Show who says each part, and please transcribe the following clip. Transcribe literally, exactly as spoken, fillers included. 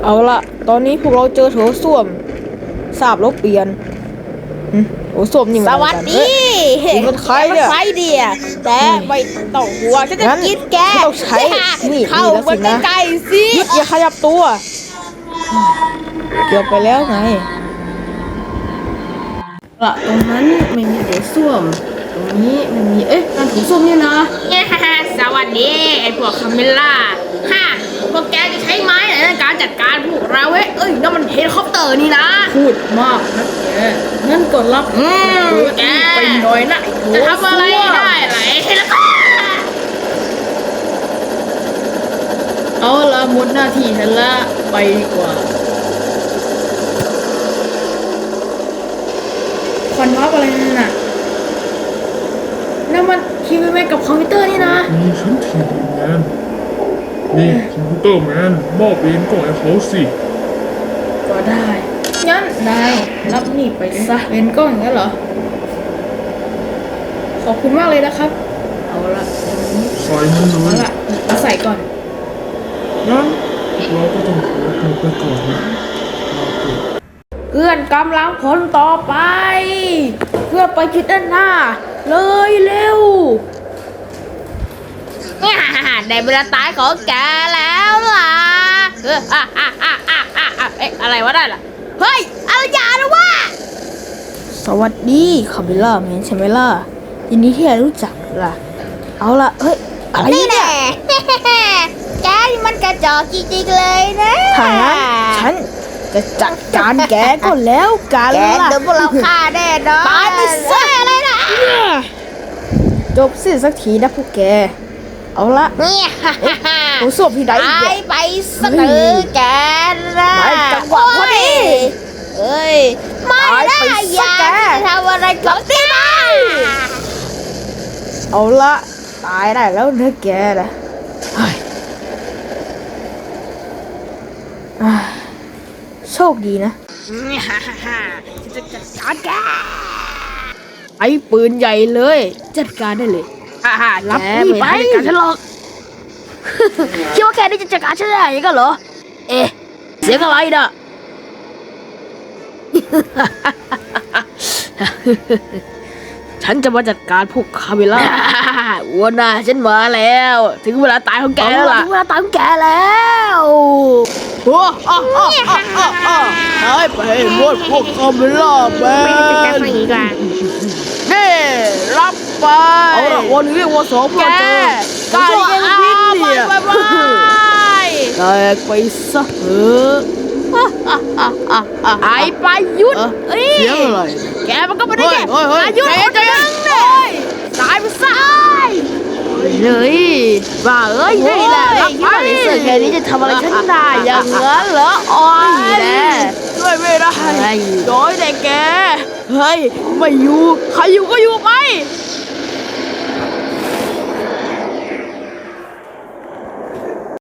Speaker 1: เอาละตอนนี้พวกเราเจอโถส้วมทราบแล้วเปลี่ยนโถส้วมนี่มัน
Speaker 2: ส
Speaker 1: อะไร
Speaker 2: วัส
Speaker 1: กัน
Speaker 2: ดี
Speaker 1: เฮ้ยนี่มันใครเนี่ย
Speaker 2: ใครเดียแต่ไม่ต้องห่วงฉันจะ
Speaker 1: งั้น
Speaker 2: กินแก
Speaker 1: ฉันต้องใช้นี่
Speaker 2: เข้า
Speaker 1: นี่แล้วสิ
Speaker 2: มา
Speaker 1: นะ
Speaker 2: ใกล้ๆสิ
Speaker 1: หยุดอย่าขยับตัวเกี่ยวไปแล้วไง
Speaker 3: ละตรงนั้นไม่มีโถส้วมตรงนี้ไม่มีเอ๊ะการโถส้วมเนี่ยนะ
Speaker 2: เนี่ยสวัสดีไอ้พวกคาเมล่าฮ่าพวกแกจะใช้ไม้ไหนในการจัดการพวกเราเว้ยเอ้ยนั่นมันเฮลิคอปเตอร์นี่นะ
Speaker 3: พูดมากนะแกงั้นก็รับ
Speaker 2: อืมแก
Speaker 3: ไปหน่อยนะไอ้โถ
Speaker 2: จะทำอะไร
Speaker 3: ส้วม
Speaker 2: ได้ไหรเฮลิคอปเตอร์
Speaker 3: เอาละหมดหน้าที่ฉันละไปดีกว่าควันวับอะไรนั่นน่ะนั่นมันทีวีแมนกับคอมพิวเตอร์นี่นะ
Speaker 4: นี่ฉันทีวีแมนนี่คอมพิวเตอร์แมนมอบเองก็ให้เขาสิ
Speaker 3: ก็ได้งั้นนายรับนี่ไปซะเป็นกล้องอย่างนั้นเหรอขอบคุณมากเลยนะครับเอาละอย่างนี้
Speaker 4: ใส่มันเล
Speaker 3: เอา
Speaker 4: ย
Speaker 3: ละมาใส่ก่อน
Speaker 4: งั้นเราก็ต้องขอตัวไปก่อนนะลาก่อน
Speaker 3: เพื่อนกำลังผลต่อไป เพื่อไปทิศด้านหน้า เลยเร็ว
Speaker 2: เนี่ยได้เวลาตายของแกแล้วล่ะเอออ่ะอ่ะอ่ะอ่ะอ่ะอ่ะเอ๊ะอะไรวะได้ล่ะเฮ้ยอะไรอย่านะวะ
Speaker 1: สวัสดีคาเมล่าแมนใช่ไหมล่ะยินดีที่ได้รู้จักล่ะ เอาละเฮ้ยอะไร
Speaker 2: นี่
Speaker 1: เนี่ย
Speaker 2: แน่ แกนี่มันกระจอกจริงๆเลยนะ
Speaker 1: ถ้างั้นฉันจะจัดการแกก็แล้วกัน
Speaker 2: แก
Speaker 1: ล่ะ
Speaker 2: โดนพวกเราฆ่าแน่นอนตายไปซะเลยนะ
Speaker 1: จบสิ้นสักทีนะพวกแก เอาละ
Speaker 2: เนี่ย
Speaker 1: โถส้วมที่ใดอีก
Speaker 2: ตา
Speaker 1: เนี่ย
Speaker 2: ยไปซะเถอะแกนะ
Speaker 1: ไม่จังหวะพอดี
Speaker 2: เอ้ยไม่
Speaker 1: ตาย
Speaker 2: ได้
Speaker 1: ไป
Speaker 2: อ
Speaker 1: ซะ
Speaker 2: ย่า
Speaker 1: แก
Speaker 2: ทำอะไรกับตีนาย
Speaker 1: เอาละตายได้แล้วเนื้อแกนะเฮ้ยอ่าโชคดีนะ
Speaker 2: จะจัดการแก
Speaker 1: ไอ้ปืนใหญ่เลย จัดการได้เลย
Speaker 2: ฮ่าฮ่า
Speaker 1: รับ
Speaker 2: แก
Speaker 1: นี่
Speaker 2: ไม่
Speaker 1: ไป
Speaker 2: ได้จัดการฉันหรอก คิดว่าแกนี่จะจัดการฉันได้ยังไงเหรอ เอ๊ะ เสียงอะไรน่ะ
Speaker 1: ฉันจะมาจัดการพวกคาเมล่า
Speaker 2: วัวหน้าฉันมาแล้ว ถึงเวลาตายของแกแล้วล่ะ
Speaker 1: ถึงเวลาตายของแกแล้วโอ้อ้าอ้าอ้าอ้าอ้าหายไปหมดพวกคาเมล่าแม
Speaker 2: ไม่ได้จัดการ
Speaker 1: น
Speaker 2: คนอีกอ่ะ
Speaker 1: นี่รับไปเอาละวันนี้วันสองพวกเจอ
Speaker 2: แก
Speaker 1: กายยังพิษเนี่ย
Speaker 2: ไปไปไป
Speaker 1: แตกไปซะเถอะ
Speaker 2: ไอ้ปายุทธ
Speaker 1: เอ้
Speaker 2: เอ้ย
Speaker 1: เสียงอะไร
Speaker 2: แกมันก็ไม่ได้แค่
Speaker 1: เฮ้ยเฮ้ยเฮ้ย
Speaker 2: อายุทธคน
Speaker 1: ใจ
Speaker 2: นึ
Speaker 1: เย็น
Speaker 2: งเนี่ยตายไปซะ
Speaker 1: เฮ้ยบ้าเอ้ยนี่แหละรับ
Speaker 2: คิด
Speaker 1: ไป
Speaker 2: ว่าในเสื้อแค่นี้จะทำอะไรฉันได้อย่างนั้นเหรออ๋อ
Speaker 1: นี่แหละช่วยไม่ได้
Speaker 2: ไอ้
Speaker 1: ย้อยแต่แก เฮ้ย ไม่อยู่ ใครอยู่ก็อยู่ไป